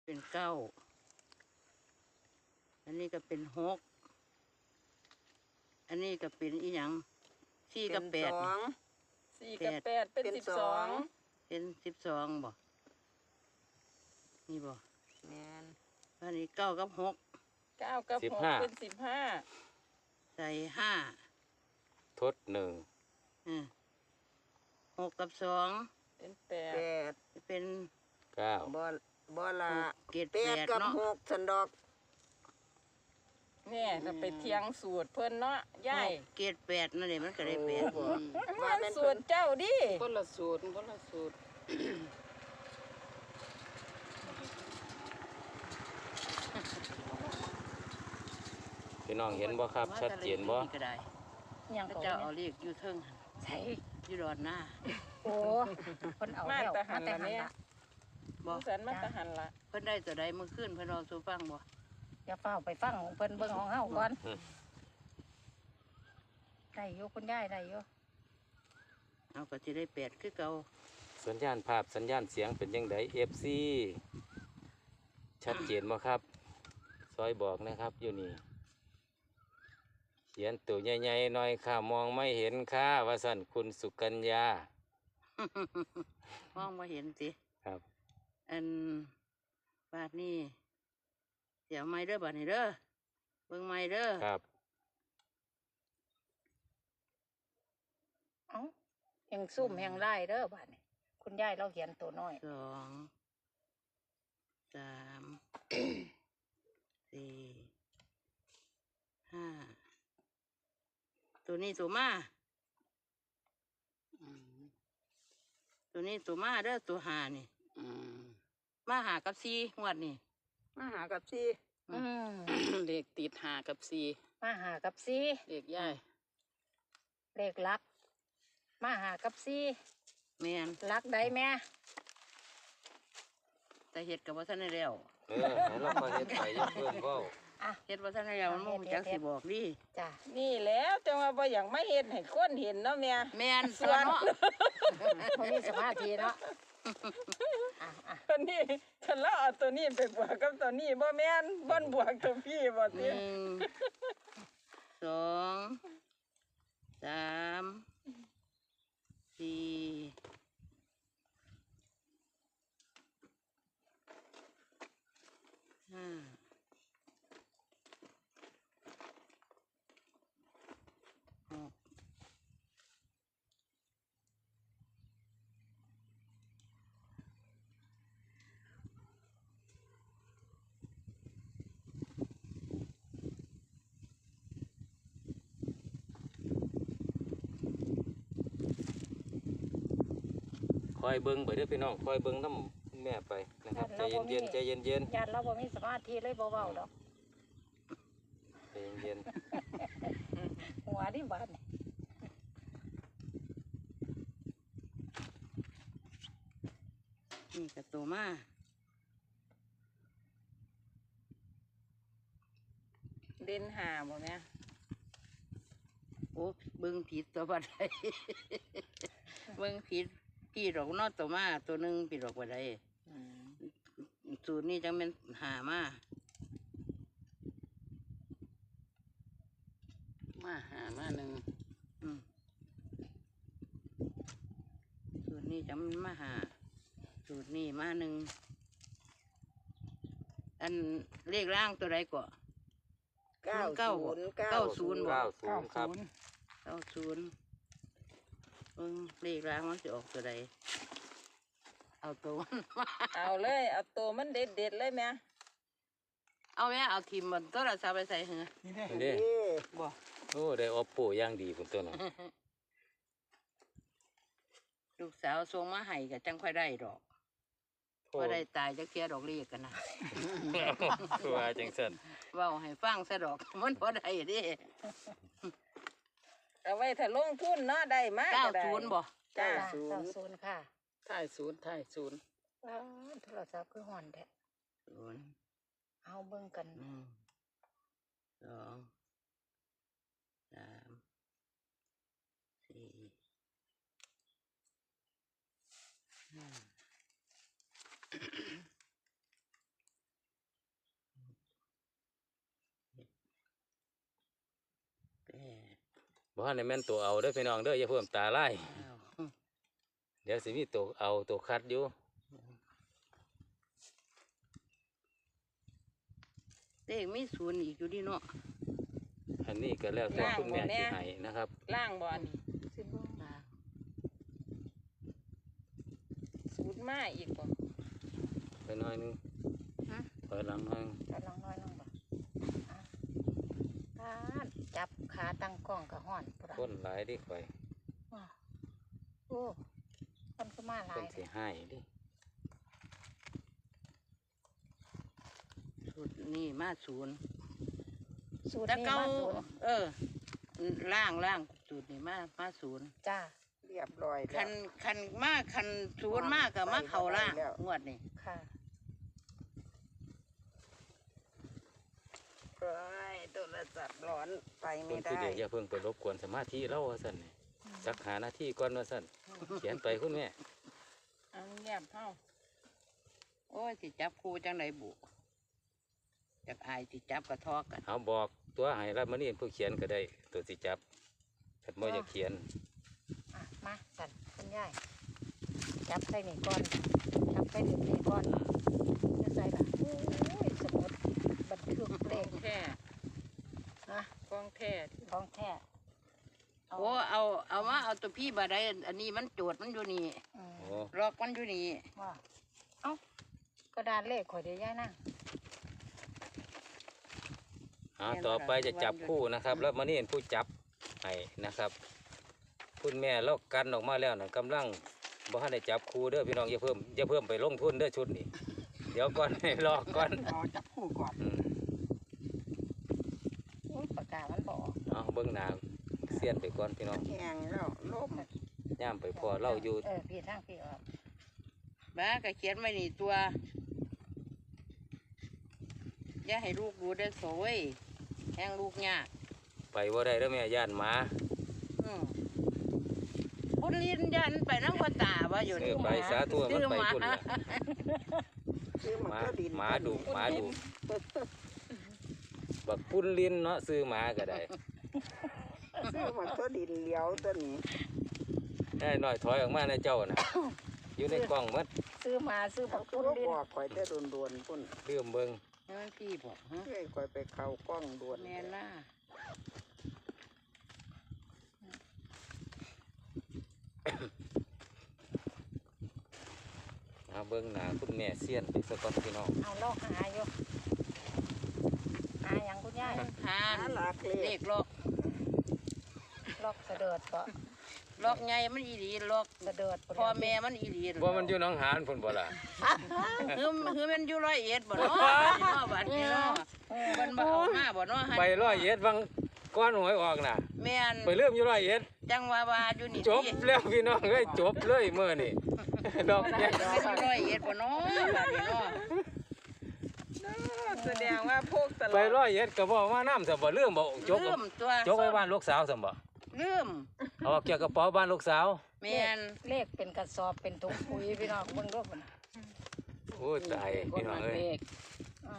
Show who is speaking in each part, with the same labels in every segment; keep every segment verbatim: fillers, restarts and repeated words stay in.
Speaker 1: เป็นเก้าอันนี้ก็เป็นหกอันนี้ก็เป็นอีหยังสี่กับแปด
Speaker 2: สอง
Speaker 3: สี่กับแปดเป็นสิบสอง
Speaker 1: เป็นสิบสองบ่นี่บ่
Speaker 2: แม่น
Speaker 1: อันนี้เก้ากับหก
Speaker 3: เก้ากับหกเป็นสิบห้า
Speaker 1: ใส่ห้า
Speaker 4: ทดหนึ่ง
Speaker 1: อืมหกกับสอง
Speaker 3: เป็นแป
Speaker 2: แป
Speaker 3: ด
Speaker 2: ด
Speaker 1: เป็น
Speaker 4: เก้า
Speaker 2: บ่บ่ละ
Speaker 1: เจ็ด
Speaker 2: แป
Speaker 1: แป
Speaker 2: ด
Speaker 1: ด
Speaker 2: กับ
Speaker 1: เนาะ
Speaker 2: หกสันดอก
Speaker 3: เนี่ยจะไปเทียงสูตรเพิ่นเนาะย่าย
Speaker 1: เจ็ดแปดนั่นเองมันก็ได้แปด
Speaker 2: โอ้
Speaker 3: มั
Speaker 2: ว่าน แม่น
Speaker 3: สูตรเจ้าดิ
Speaker 5: คนละสูตรคนละสูตร
Speaker 4: พี่น้องเห็นบ่ครับ ชัดเจนบ่
Speaker 1: ก็ได้
Speaker 6: ยัง
Speaker 1: พระ
Speaker 6: ก็
Speaker 1: เจ้า
Speaker 6: เนี่
Speaker 1: เอา
Speaker 6: ย
Speaker 1: เลขอยู่เทิงหั่น
Speaker 6: ใช่
Speaker 1: อยู่ดอนหน้า
Speaker 6: โอ้คนเอา
Speaker 3: มา
Speaker 6: แล้ว
Speaker 3: แต่หัน
Speaker 6: แต่
Speaker 3: ละ
Speaker 6: หัน
Speaker 3: เนี่ย
Speaker 6: ละ
Speaker 1: บ่
Speaker 3: ผู้สันมาแต่หันละ
Speaker 1: เพิ่นได้ตัวใดเมื่อคืนเพิ่นเอาสู่ฟังบ่
Speaker 6: อย่าเฝ้าไปฟังของเพิ่นเบิ่งของเฮาก่อนได้อยู่คุณยายได้อยู่
Speaker 1: เอาก็สิได้แปดคือเก่า
Speaker 4: สัญญาณภาพสัญญาณเสียงเป็นยังไง เอฟ ซี ชัดเจนบ่ครับ ซอยบอกนะครับอยู่นี่ เขียนตัวใหญ่ๆหน่อยค่ะมองไม่เห็นค่ะว่าสั่นคุณสุกัญญา
Speaker 1: มองบ่เห็นสิ
Speaker 4: ครับ
Speaker 1: อันบาดนี้เสียวไม้เด้อบาดนี้เด้อเบิ่งไม้เด้อ
Speaker 4: ครับ
Speaker 6: เอ้าแห่งซุ่มแห่งไล่เด้อบัดนี้คุณยายเราเขียนตัวน้อย
Speaker 1: สองสามสี่ห้าตัวนี้ตัวมา
Speaker 5: อืม
Speaker 1: ตัวนี้ตัวมาเด้อตัวหานี่
Speaker 5: อืม
Speaker 1: มาหากับซีงวดนี่
Speaker 2: มาหากับซี่
Speaker 6: อืม
Speaker 5: เลขติดหากับสี่
Speaker 6: มาหากับซี
Speaker 5: เลขย่าย
Speaker 6: เลขลัก มาหากับซี
Speaker 1: แม่น
Speaker 6: ลักได้แม่
Speaker 1: แต่เฮ็ดกับว่าท่านได้แล้ว
Speaker 4: เออให้เราก็เฮ็ดไปอย่าเพิ่มเว้า
Speaker 6: อ่ะ
Speaker 1: เฮ็ดว่าท่านได้แล้วมันบ่รู้จักสิบอกดิ
Speaker 6: จ้ะ
Speaker 3: นี่แล้วจังว่าบ่อยากไม่เห็นให้คนเห็นเนาะแม่
Speaker 1: แม่นส่วนเนาะ
Speaker 6: บ่มีสมาธิเนาะอ่ะอ่ะ
Speaker 3: ตัวนี้ฉันเล่าเอาตัวนี้ไปบวกกับตัวนี้บ่แม่นบ่นบวกตัวพี่บ่
Speaker 1: ห
Speaker 3: ติ
Speaker 1: นึ่งสองสามสี่ห้าหก
Speaker 4: คอยเบิ่งไปเด้อพี่น้องคอยเบิ่งน้ำแม่ไปนะครับใจเย็นๆใจเย็น
Speaker 6: ญาติเราบ่มีสมาธิเลยบ่เว้าดอก
Speaker 4: ๆใจเย็น
Speaker 6: หัวดิบาดนี่
Speaker 1: นี่กับตัวมา
Speaker 3: เด่นหาบ่แม่
Speaker 1: โอ้เบิ่งผิดตัวบัดใด เบิ่งผิดพี่ดอกเนอตัวมาตัวหนึ่งพี่ดอกบัดใด
Speaker 5: อืม
Speaker 1: สูตรนี้จังเป็นหามา
Speaker 5: มาหามาหนึ่ง
Speaker 1: อืมสูตรนี้จังเป็นมาหาสูตรนี้มาหนึ่งอันเลขร่างตัวใดก่อ
Speaker 2: เก้า
Speaker 1: เก้า
Speaker 2: ศูนย์
Speaker 1: เก้าศูนย์
Speaker 4: ๆเก้าศูนย์ครับ
Speaker 1: เก้าศูนย์เบิ่งเลขร่างมันจะออกตัวใดเอาตัวมันมา
Speaker 3: เอาเลยเอาตัวมันเด็ดๆเลยแม่
Speaker 1: เอาแม่เอาทีมมันตัวละสาไปใส่เหรอ
Speaker 4: นี่
Speaker 2: นี่
Speaker 1: บ่
Speaker 4: โอ้ได้ออปโปอย่างดีพุ่นตัวนั้น
Speaker 1: ลูกสาวส่งมาให้ก็จังค่อยได้ดอกพอได้ตายจักเทียดอกเรียกกันนะ
Speaker 4: ว่าจังซั่น
Speaker 1: เว้าให้ฟังซะดอก มันพอได้เดิ
Speaker 3: เอาไว้ถ้าลงทุนเนาะได้มา
Speaker 1: เก้า
Speaker 3: ก็ได้
Speaker 1: ศูนย์บ่
Speaker 3: จ้า
Speaker 6: จ้ะเก้าศูนย์ค่ะ
Speaker 5: ท้ายศูนย์ท้ายศูนย์
Speaker 6: ว้าวโทรศัพท์คือห่อนแท้
Speaker 1: ศูนย์
Speaker 6: เอาเบิ่งกัน
Speaker 1: หนึ่งสองสามสี่ห้า
Speaker 4: บ่ทันได้แม่นตัวเอาเด้อพี่น้องเด้ออย่าเพิ่มตาไล่
Speaker 1: อ้าว
Speaker 4: เดี๋ยวสิมีตัวเอาตัวคัดอยู่
Speaker 1: เลขมีศูนย์อีกอยู่ดีเนาะ
Speaker 4: อันนี้ก็แล้วแต่คุณแม่สิให้นะครับ
Speaker 3: ล่างบ่อันนี้
Speaker 6: สิบ่
Speaker 3: สูตรมาอีกบ่
Speaker 4: ไปหน่อยหนึงถอยหลังหน่อย
Speaker 6: กำลังน้อยน้องบ่อ่ะปาดจับขาตั้งกล้องกับห้อนพุ่น
Speaker 4: คนหลายดิข่อย
Speaker 6: ว้าวโอ้คนก็มาหลา
Speaker 4: คน
Speaker 6: ย
Speaker 4: สิให้ดิ
Speaker 1: สูตรนี่มาศูนย์
Speaker 6: สูตร
Speaker 1: แต่
Speaker 6: นี้
Speaker 1: เก้า
Speaker 6: มาศูนย์
Speaker 1: เออล่างล่างสูตรนี่มามาศูนย์
Speaker 6: จ้า
Speaker 2: เรียบร้อยแล้
Speaker 1: คั
Speaker 2: วน
Speaker 1: คันมากคันศูนย์มากกับมาเข่าล่าง
Speaker 2: แล้ว
Speaker 1: งวดนี่
Speaker 6: ค่ะ
Speaker 2: เอ้ยโทรศัพท์ร้อนไป
Speaker 4: ค
Speaker 2: ไม่
Speaker 4: น
Speaker 2: ได้
Speaker 4: ผู้เดียวอย่าเพิ่งไปรบกวนสมาธิเราว่าซั่นนี่จักหาหน้าที่ก่อนว่าซั่นเขียนไปคุณแม่
Speaker 3: เอาเงียบเฮา
Speaker 1: โอ้ยสิจับครูจังไหนบุจากอายสิจับกระทอกกัน
Speaker 4: เอาบอกตัวให้รับมานี่ผู้เขียนก็ได้ตัวสิจับถ้าบ่อยากเขียน
Speaker 6: อ่ะมาสั่นคุณยายจับใส่นี่ก่อนจับใส่เด็กนี่ก่อนจะใส่ละโอ้ยสมุดบันทึกเล
Speaker 3: ขอ
Speaker 6: ข
Speaker 3: งแท้
Speaker 6: นะ
Speaker 3: ของแท้
Speaker 6: ของแท้เอา
Speaker 1: โอ้เอาเอามาเอาตัวพี่บาได้อันนี้มันโจทย์มันอยู่นี่
Speaker 6: อืม
Speaker 4: โอ้
Speaker 1: ลอกมันอยู่นี่
Speaker 6: ว่าเอ้ากระดานเลขข่อยเดี๋ยวยายนั่ง
Speaker 4: เอาต่อไปจะจับคู่นะครับ แล้วมานี่ผู้จับให้นะครับ คุณแม่เรากันออกมาแล้วนะกำลังบ่ทันได้จับคู่เด้อพี่น้องอย่าเพิ่มอย่าเพิ่มไปลงทุนเด้อชุดนี้ เดี๋ยวก่อน ให้รอก่อน
Speaker 2: เอาจับคู่ก่อน
Speaker 4: อืม
Speaker 6: อุ๊ยปากกามันบออก
Speaker 4: เอาเบิ่งหน้าเสียนไปก่อนพี่น้อง
Speaker 2: แห้งแล้วลม
Speaker 4: ย่ามไปพอเล่าอยู่
Speaker 6: เออพี่ทั้งพี่ออก
Speaker 1: บ้าก็เขียนไว้นี่ตัว อย่าให้ลูกดูได้อโสยแห้งลูกยาก
Speaker 4: ไปว่าได้แล้วแม่ย่านหมา
Speaker 1: อืมบุญลินยันไปนั่งพ่อตาว่าอยู่
Speaker 4: เอ
Speaker 1: นี่
Speaker 4: อไปสาตัวมันไปพุ่นละ
Speaker 2: ซื้อ
Speaker 4: ห
Speaker 2: มา
Speaker 4: มา
Speaker 2: ก็ดิน
Speaker 4: หมาดุหมาดุบักปุ้นลิ้นเนาะซื้อหมาก็ได้
Speaker 2: ซื้อมาก็ดินเหลียวตัวนี้
Speaker 4: ได้หน่อยถอยออกมาในเจ้าน่ะ อยู่ในกล้องหมัด
Speaker 6: ซื้อมาซื้อบั
Speaker 2: เขา
Speaker 6: ก
Speaker 2: ก็
Speaker 6: คุณดิน
Speaker 2: บอกข่อยแต่โดนๆพุ่น
Speaker 4: เรื่มเบิ่ง
Speaker 1: นี่มันพี่บอกฮะ
Speaker 2: เฮ้ยข่อยไปเข้ากล้องด่วน
Speaker 1: แม่น่า
Speaker 4: เอาเบิ่งหน้าคุณแม่เสียนไปสะก่อนพี่น้อง
Speaker 6: เอาลอกหาอยู่หาอย่างคุณยาย
Speaker 1: ทา
Speaker 2: หาน หลักเล
Speaker 1: เล
Speaker 2: ข
Speaker 1: ขลอก
Speaker 6: ลอกกระเดิดปะ
Speaker 1: ลอกไงมันอีหลีลอก
Speaker 6: กระเดิดปะ
Speaker 1: พ่อแม่มันอีหลี
Speaker 4: ว่ามันอยู่หน้องหานพุ่นบ่ล่ะ
Speaker 1: คือคือมันอยู่ร้อยเอ็ดบ่เนาะเนาะบัดนี้เนาะมันบ่เอามาบ่เนาะ
Speaker 4: ไปร้อยเอ็ดบางก้อนหวยออกน่ะ
Speaker 1: แม่น
Speaker 4: ไปเริ่มอยู่ร้อยเอ็ด
Speaker 1: จังว่าว่าอยู่นี่
Speaker 4: จบแล้วพี่น้องเอ้ยจบเลยเมื่อนี่ ดอก
Speaker 1: มัน
Speaker 4: แก้
Speaker 1: อยู่ร้อยเอ็ดบ่เนาะบัดนี้เนาะ
Speaker 3: แสดงว่าพวกตล
Speaker 4: ไป
Speaker 3: อด
Speaker 4: ร้อยเอ็ดก็บอกว่าน้ำสมบ่เรื่องบ่จก
Speaker 1: ลืมตัว
Speaker 4: จกไว้บ้านลูกสาวสมบ่
Speaker 1: ลืม
Speaker 4: เอาเกี่ยวกับกระเป๋าบ้านลูกสาว
Speaker 1: แม่น
Speaker 6: เลขเป็นกระสอบเป็นถุงปุ๋ยพี่น้องเบิ่งรูปมัน
Speaker 4: โอ้ยตายพี่น้องเอ้ย
Speaker 6: อ่า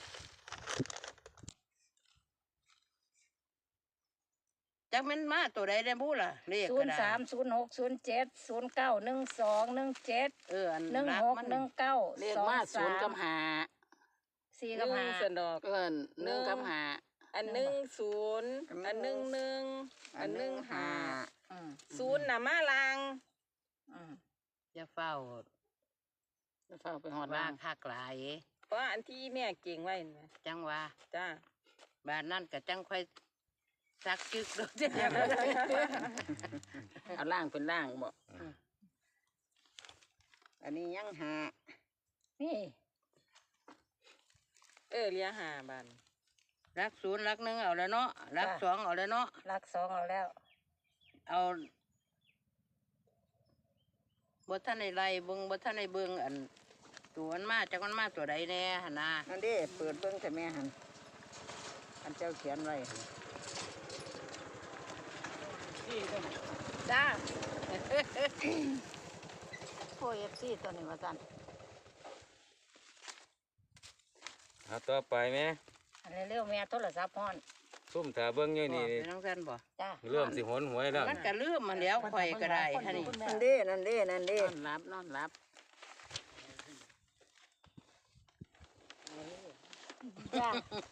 Speaker 1: จักแม่นมาตัวใดได้บุล่ะเลข
Speaker 6: ศู
Speaker 1: ก็
Speaker 6: นย์
Speaker 1: ได้
Speaker 6: สามศูนย์หกศูนย์เจ็ดศูนย์เก้าหนึ่งสองหนึ่งเจ็ด
Speaker 1: เอออัน
Speaker 6: หนึ่ง
Speaker 1: รัก
Speaker 6: หก
Speaker 1: มัน
Speaker 6: หนึ่งเก้า
Speaker 5: เลข
Speaker 6: สอง
Speaker 5: มาศู
Speaker 6: สาน
Speaker 5: ย์
Speaker 6: ม
Speaker 5: กับหา
Speaker 6: สี่
Speaker 3: ห
Speaker 6: กับ
Speaker 3: นึ่ง
Speaker 6: ห้า
Speaker 3: สนดอก
Speaker 5: เอิ้นหนึ่งกับหา
Speaker 3: อันหนึ่งศูนย์อันหนึ่งหนึ่งอันหนึ่งห้า
Speaker 6: อืม
Speaker 3: ศูนย์น่ะมาลาง
Speaker 6: อืม
Speaker 1: อย่าเฝ้า
Speaker 5: จะเฝ้าไปหอด
Speaker 1: ว่า
Speaker 5: ล่าง
Speaker 1: คักหลาย
Speaker 3: เพราะอันที่แม่เก่งไว้นะ
Speaker 1: จังว่า
Speaker 3: จ้า
Speaker 1: บ้านนั่นก็จังค่อยซักจึกดอกเด้อ
Speaker 5: เอาล่างเป็นล่างบ่
Speaker 2: อันนี้ยังหา
Speaker 6: นี่
Speaker 3: เออเลียหาบัน
Speaker 1: รักศูนย์รักหนึ่งเอาแล้วเนาะรักสองเอาแล้วเนาะ
Speaker 6: รักสองเอาแล้ว
Speaker 1: เอาบ่ท่านในไรเบิ่งบ่ท่านในเบิ่งอันตัวมันมาจากมันมาตัวใดแน่หั่นนะ
Speaker 2: นั่นเด้เปิดเบิ่งแต่แม่หันอันเจ้าเขียนไว้หั่น
Speaker 6: จ้า โอ้เอฟซีตัวนี้มาสั่น
Speaker 4: เอาต่อไปไหม
Speaker 6: อันนี้เร็วๆแม่โทรศัพท์ฮ้อน
Speaker 4: ซุ่มถ้าเบิ่งอยู่
Speaker 1: นี่
Speaker 4: นี่
Speaker 1: น้องกันบ่
Speaker 6: จ้า
Speaker 4: เริ่มสิหนหวยแล้ว
Speaker 1: มันก็ลืมมาแล้วข่อยก็ได้ท่านี่
Speaker 2: นั่นเด้นั่นเด้นั่นเด้
Speaker 5: นอนรับนอนรับ
Speaker 6: จ้า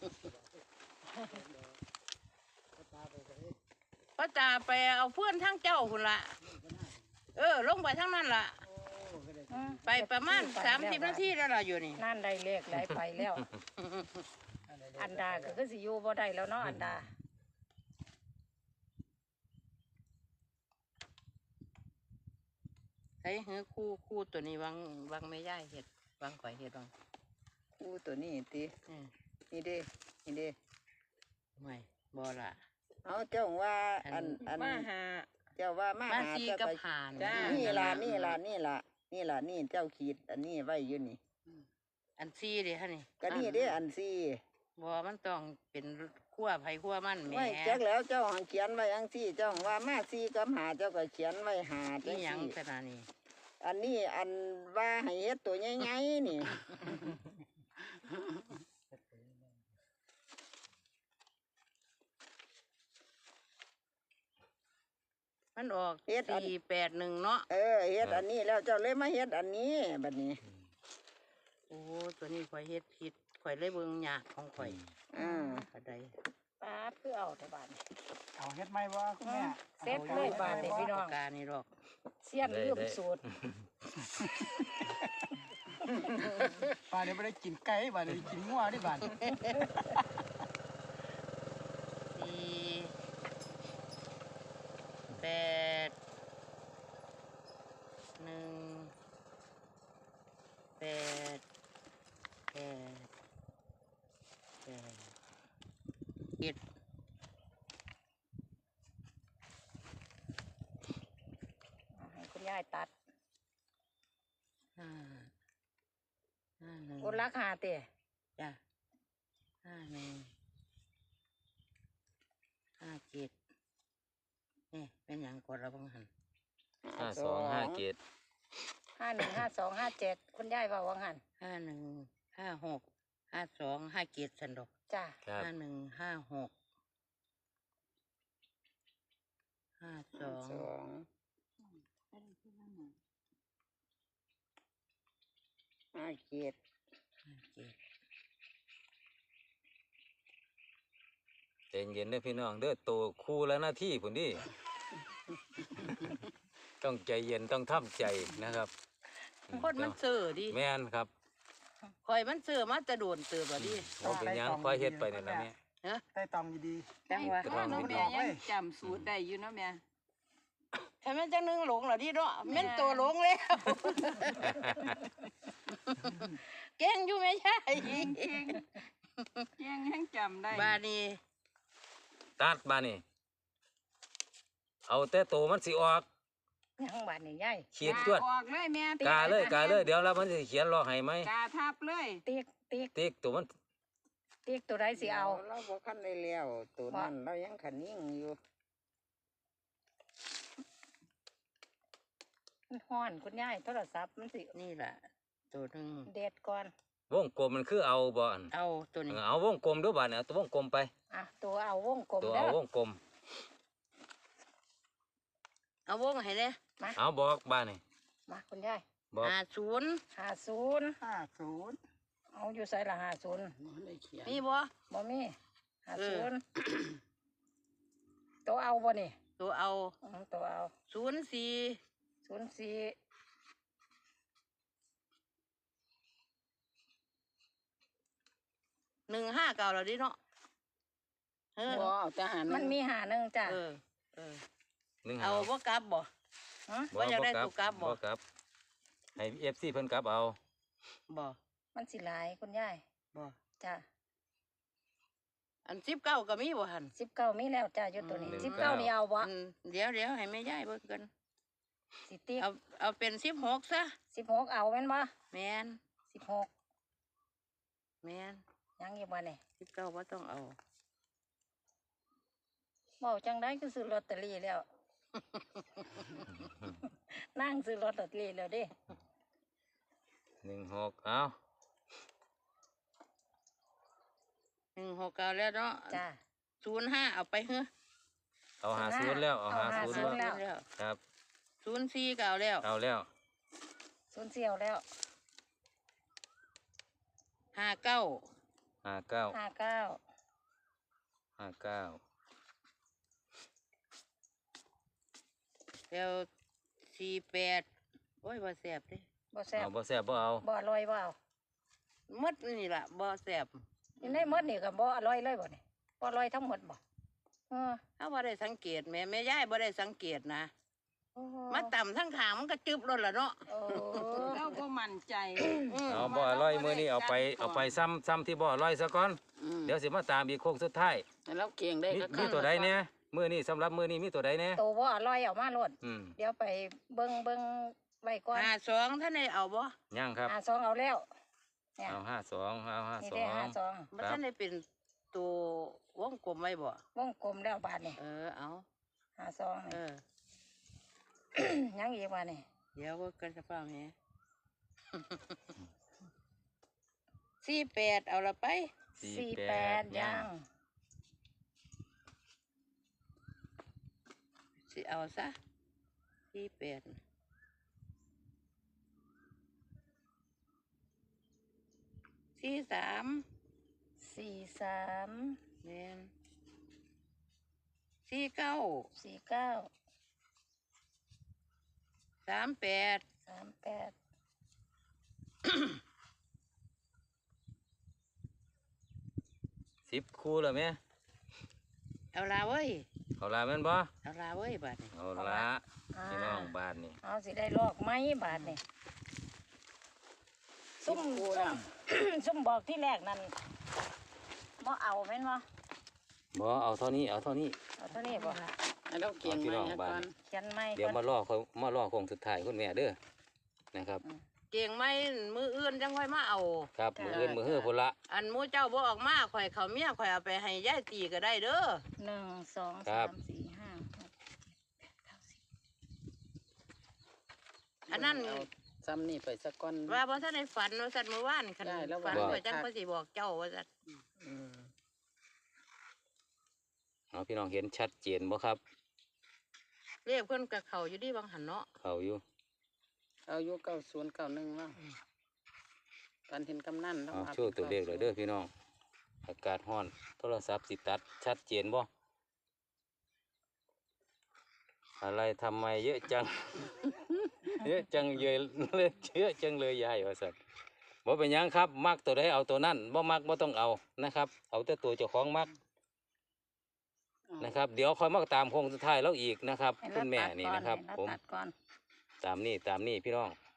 Speaker 1: ป้าตาไปเอาเพื่อนทั้งเจ้าคุณละเออ ลงไปทั้งนั้นล่ะ ไปประมาณสามสิบนาทีแล้วล่ะอยู่นี่
Speaker 6: นั่นได้เลขได้ไปแล้ว อันดาก็คือสิอยู่บ่ได้แล้วเนาะอันดา
Speaker 1: ไอ้เฮ้ยคู่คู่ตัวนี้วางวางไม่ย่ายเห็ดวางข่อยเห็ดวาง
Speaker 2: อู้ตัวนี้ติ
Speaker 1: อืม
Speaker 2: นี่เด้นี่เด้
Speaker 1: ไม่บ่ล่ะ
Speaker 2: เอาเจ้าว่าอันอัน
Speaker 3: มาหา
Speaker 2: เจ้าว่ามา
Speaker 1: มา
Speaker 2: หา
Speaker 1: ซี
Speaker 2: เจ้า
Speaker 1: กับ
Speaker 2: ไป
Speaker 1: ผ่าน
Speaker 3: จ้า
Speaker 2: นี่ล่ะนี่ล่ะนี่ล่ะนี่ล่ะนี่เจ้าขีดอันนี้ไว้อยู่นี่
Speaker 1: อันซีเด้ฮะนี่
Speaker 2: ก็นี่เด้อันซี่
Speaker 1: บ่มันต้องเป็นขั้วไผ่ขั้วมันแหม่
Speaker 2: ไว้จักแล้วเจ้าหังเขียนไว้อังซี่เจ้าว่ามาซี่กับหาเจ้าก็เขียนไว้หาจั
Speaker 1: นี่
Speaker 2: ง
Speaker 1: หยัง
Speaker 2: ซี่
Speaker 1: ขนาดนี้
Speaker 2: อันนี้อันว่าให้เฮ็ดตัวใหญ่ๆนี่
Speaker 1: มันออกสี่แปดหนึ่งเนาะ
Speaker 2: เออเฮ็ดอันนี้แล้วเจ้าเลยมาเฮ็ดอันนี้บัดนี้
Speaker 1: โอ้ตัวนี้ข่อยเฮ็ดผิดข่อยเลยเบิ่งยากของข่อย
Speaker 2: อ่า
Speaker 1: ก็ได้
Speaker 6: ป้าดคือเอาแต่บาดนี้
Speaker 7: เอาเฮ็ดไหมวะคุณแม่
Speaker 6: เสร็จเลยบาดนี้พี่น้อง
Speaker 1: ปากกานี่หรอก
Speaker 6: เสี้ยนลืมสูตร
Speaker 7: บ้านนี้ไม่ได้กินไก่บ้านนี้กินงัวที่บ้าน
Speaker 1: สี่แปดหนึ่งแปดแปดแปดเจ็ด
Speaker 6: เอาให้คุณยายตัด
Speaker 1: ห้าห้าหนึ่ง
Speaker 6: คนรักหาเตะ
Speaker 1: จ้ะห้าหนึ่งห้าเจ็ดนี่เป็นอย่างกดระบังหัน
Speaker 4: ห้าสองห้าเกต
Speaker 6: ห้าหนึ่งห้าสองห้าเจ็ดคุณยายว่าวังหัน
Speaker 1: ห้าหนึ่งห้าหกห้าสองห้าเจ็ดสันดอก
Speaker 6: จ้า
Speaker 4: ครับ
Speaker 1: ห้าหนึ่งห้าหกห้าสอง
Speaker 2: สองห้าเจ็ด
Speaker 1: ห้าเจ็ด
Speaker 4: ใจเย็นเด้อพี่น้องเด้อโตคู่แล้วหน้าที่พุ่นดิ ต้องใจเย็นต้องทำใจนะครับ
Speaker 1: คนมันเสือดิ
Speaker 4: แม่นครับ
Speaker 1: คอยมันเสือมาจะโดนเตือบ่ดิ
Speaker 4: เราเป็นหยังค่อยเฮ็ดไปนี่นล่ะแม่
Speaker 1: ฮะ
Speaker 7: ใต้ตองดี
Speaker 1: จังหวะ
Speaker 4: กระดอง
Speaker 3: น้อง
Speaker 4: ดี
Speaker 3: แม่ยังจำสูตรได้อยู่เนาะแม่
Speaker 1: ทำไมจังนึงหลงเหรอดิเนาะแม่นตัวหลงแล้ว เก่งอยู่ไม่ใช่
Speaker 3: ยังยังจำได้
Speaker 1: บานี้
Speaker 4: ตัดมานี่ เอาแต่โตมันสิออก
Speaker 6: ยังบาดนี่ยาย
Speaker 4: ขีดจวด
Speaker 3: ออกเลยแม่
Speaker 4: กาเลยกาเลยเดี๋ยวเรามันสิเขียนรอให้ไหม
Speaker 3: กาทับเลย
Speaker 6: ติ๊กติ๊ก
Speaker 4: ติ๊กตัวมัน
Speaker 6: ติ๊กตัวใดสิเอา
Speaker 2: เราบ่คันได้แล้วตัวนั้นเรายังขันยิ่งอยู่
Speaker 6: มันฮ้อนคุณยายโทรศัพท์มันสิ
Speaker 1: นี่แหละตัวหนึ่ง
Speaker 6: เด็ดก่อน
Speaker 4: วงกลมมันคือเอาบ่อน
Speaker 1: เอาตัวนี้
Speaker 4: เอาวงกลมด้วยบาดเนี่ยเอาตัววงกลมไป
Speaker 6: อ่ะตัวเอาวงกลม
Speaker 4: ตัว
Speaker 6: เด้
Speaker 4: เอา
Speaker 6: อ
Speaker 4: วงกลม
Speaker 1: เอาวงให้เลย
Speaker 4: เอาบอกบาดนี่
Speaker 6: มาคุณยาย
Speaker 4: บอก
Speaker 1: ห้าศูนย์
Speaker 6: ห้าศูนย์
Speaker 7: ๆห้าศูนย์
Speaker 6: เอาอยู่ใส่ละห้าศูนย์
Speaker 5: ได้เขียน
Speaker 1: มีบ่
Speaker 6: บ่มีห้า
Speaker 1: เอ
Speaker 6: ศู
Speaker 1: อ
Speaker 6: นย์ตัวเอาบ่นี่
Speaker 1: ตัวเอา
Speaker 6: อืมตัวเอา
Speaker 1: ศูนย์สี่
Speaker 6: ศูนย์สี่
Speaker 1: หนึ่งห้าเก่าแล้วดิเนาะเออ
Speaker 5: บ่เอาทหาร
Speaker 6: มันมีหาหนึ่งจ้ะ
Speaker 1: เออเออ
Speaker 4: หนึ่ง
Speaker 1: เอา
Speaker 4: หา
Speaker 1: บ่กลับบ่
Speaker 6: ฮะ
Speaker 1: ว่าอยากได้ตัวกลับบ่
Speaker 4: บ่กลับให้เอฟซีเพิ่นกลับเอา
Speaker 1: บ่
Speaker 6: มันสิหลายคุณยาย
Speaker 1: บ่
Speaker 6: จ้ะ
Speaker 1: อันสิบเก้าก็มีบ่หัน
Speaker 6: สิบเก้ามีแล้วจ้ะอยู่ตัวนี้
Speaker 4: อืม
Speaker 6: สิบเก้านี่เอาบ่
Speaker 1: อันเดี๋ยวเดี๋ยวให้แม่ยายเบิ่งกัน
Speaker 6: สิติ๊ก
Speaker 1: เอาเอาเป็นสิบหกซะ
Speaker 6: สิบหกเอาแม่นบ่
Speaker 1: แมน
Speaker 6: สิบหก
Speaker 1: แมน
Speaker 6: ยังอยู่บ่นี่
Speaker 1: สิบเก้าบ่ต้องเอา
Speaker 6: เว้าจังได้คือซื้อลอตเตอรี่แล้ว นั่งซื้อลอตเตอรี่แล้วเดิ
Speaker 4: หนึ่งหกเอา
Speaker 1: หนึ่งหกเก้าแล้วเนาะ
Speaker 6: จ้ะ
Speaker 1: ศูนย์ห้าเอาไปเฮ้อ
Speaker 4: เอาหาศูนย์แล้วเอาหาศูนย์
Speaker 1: ศูนย์
Speaker 4: แล้ว
Speaker 1: แล้ว
Speaker 4: ครับ
Speaker 1: ศูนย์สี่ก็เอาแล้ว
Speaker 4: เอาแล้ว
Speaker 6: ศูนย์เสี่ยวแล้ว
Speaker 1: ห้าเก้า
Speaker 4: ห้าเก้า
Speaker 6: ห้าเก้า
Speaker 4: ห้าเก้า
Speaker 1: แล้วสี่แปดโอ้ยบ่แสบเด้
Speaker 6: บ่แซ่บ
Speaker 4: เอาบ่แซ่บบ่เอา
Speaker 6: บ่อร่อยบ่เอา
Speaker 1: หมดนี่ล่ะบ่แสบ
Speaker 6: อยู่ในหมดนี่ก็บ่อร่อยเลยบ่นี่บ่อร่อยทั้งหมดบ่เออ
Speaker 1: ถ้าบ่ได้สังเกตแม่แม่ยายบ่ได้สังเกตนะ
Speaker 6: โอ้โห
Speaker 1: มาต่ำทั้งขางมันก็จึบรถละเนาะ
Speaker 6: โอ้
Speaker 3: เราบ่มั่นใจ
Speaker 1: อืม
Speaker 4: เอาบ่อร่อยมื้อนี้เอาไปเอาไปซ้ำซ้ำที่บ่อร่อยซะก่อน
Speaker 5: อืม
Speaker 4: เดี๋ยวสิมาตามอีกโค้งสุดท้าย
Speaker 5: แล้วเก่งได้
Speaker 4: มี
Speaker 5: ก็
Speaker 4: มีตัวใดเนี่ยมื้อนี้สำหรับมื้อนี้มีตัวใดเนี่ย
Speaker 6: โตบ่อร่อยเอามาโลด
Speaker 4: อืม
Speaker 6: เดี๋ยวไปเบิ่งเบิ่งไว้ก่อน
Speaker 1: ห้าสองท่านได้เอาบ่
Speaker 4: ยังครับ
Speaker 6: หาซองเอาแล้วเนี่ย
Speaker 4: เอาห้าสองเอาห้า
Speaker 6: นี่
Speaker 4: สอ
Speaker 6: ได้
Speaker 4: ง
Speaker 6: หาซอง
Speaker 1: บ่ท่านได้เป็นตัววงกลมไว้บ่
Speaker 6: วงกลมแล้วบาดนี่
Speaker 1: เออเอา
Speaker 6: หาซอง
Speaker 1: เอ
Speaker 6: นี่
Speaker 1: อ
Speaker 6: ยังอีกว่านี่
Speaker 1: เดี๋ยวก็กันสะเปล่าแม่ สี่แปดเอาละไป
Speaker 6: สี่แปดยัง
Speaker 1: สิเอาซะสี่แปดสี่สาม
Speaker 6: สี่สาม
Speaker 1: แม่นสี่เก้า
Speaker 6: สี่เก้า
Speaker 1: สามแปด
Speaker 6: สามแปด
Speaker 4: สิบคู่แล้วแม่
Speaker 1: เอาละเว้ย
Speaker 4: เอาละแม่นบ่
Speaker 1: เอาละเว้ยบัดนี้
Speaker 4: เอาละพี่น้องบ้านนี่
Speaker 6: เอาสิได้ลอกไหมบาทนี่ซุ่ม
Speaker 5: กู
Speaker 6: ซุ่
Speaker 5: แล้
Speaker 6: ม
Speaker 5: ว
Speaker 6: ซุ่มบอกที่แรกนั่นบ่เอาแม่นบ่
Speaker 4: บ่เอาเท่านี้เอาเท่านี้
Speaker 6: เอาเท่านี้บ่
Speaker 5: แล้วเก่ง
Speaker 4: เอาพี่
Speaker 5: ไหม
Speaker 4: น้อง
Speaker 5: อะ
Speaker 4: บ้าน
Speaker 5: ก่อน
Speaker 6: เขียนไม่
Speaker 4: เดี๋ยวมารอเขามารอโค้งสุดท้ายคุณแม่เด้อนะครับ
Speaker 1: เก่งไหมมืออื่นจังค่อยมาเอา
Speaker 4: ครับมืออื่นมือเฮือพุ่นละ
Speaker 1: อันหมูเจ้าบ่ออกมาข่อยเขาเมียข่อยเอาไปให้ยายตีก็ได้เด้อ
Speaker 6: หนึ่งสอง
Speaker 4: ครั
Speaker 6: สา
Speaker 4: บ
Speaker 6: มสี่ห้าหกเจ็ดแปดเก้าสิบ
Speaker 1: อันนั้น
Speaker 5: เอาซ้ำนี่ไปสักก้อน
Speaker 1: ว่าบ่ทันได้ฝันว่าสัตว์เมื่อวานคัน
Speaker 5: ได้แล้ว
Speaker 1: ฝัน
Speaker 5: ว่า
Speaker 1: ข่อยจังก็สิบอกเจ้าว่าสัตว์
Speaker 5: อืม
Speaker 4: เอาพี่น้องเห็นชัดเจนบ่ครับ
Speaker 1: เรียกเพิ่นกับเขาอยู่ดีบางหันเนาะ
Speaker 4: เขาอยู่
Speaker 5: เอาอยู่เก้าศูนย์เก้าหนึ่งแล้วตอนเห็นกำนันแล้ว
Speaker 4: เอา
Speaker 5: ว่า
Speaker 4: โช่วยตัวเลขเลยเด้อพี่น้องอากาศร้อนโทรศัพท์สิตัดชัดเจนบ่อะไรทำไมเยอะจัง เยอะจังเยอะเลยเยอะจังเลยยายว่าสัตว์บ่เป็นหยังครับ มักตัวใดเอาตัวนั้นบ่มักบ่ต้องเอานะครับ เอาแต่ตัวเจ้าของมักนะครับ เดี๋ยวคอยมาตามโค้งสุดท้ายแล้วอีกนะครับ
Speaker 6: ให้
Speaker 4: คุณแม่
Speaker 6: เราตัด
Speaker 4: นี่
Speaker 6: ก่อ
Speaker 4: นะครับ
Speaker 6: ให้เรา
Speaker 4: ผม
Speaker 6: ตัดก่อน
Speaker 4: ตามนี่ตามนี่พี่น้อง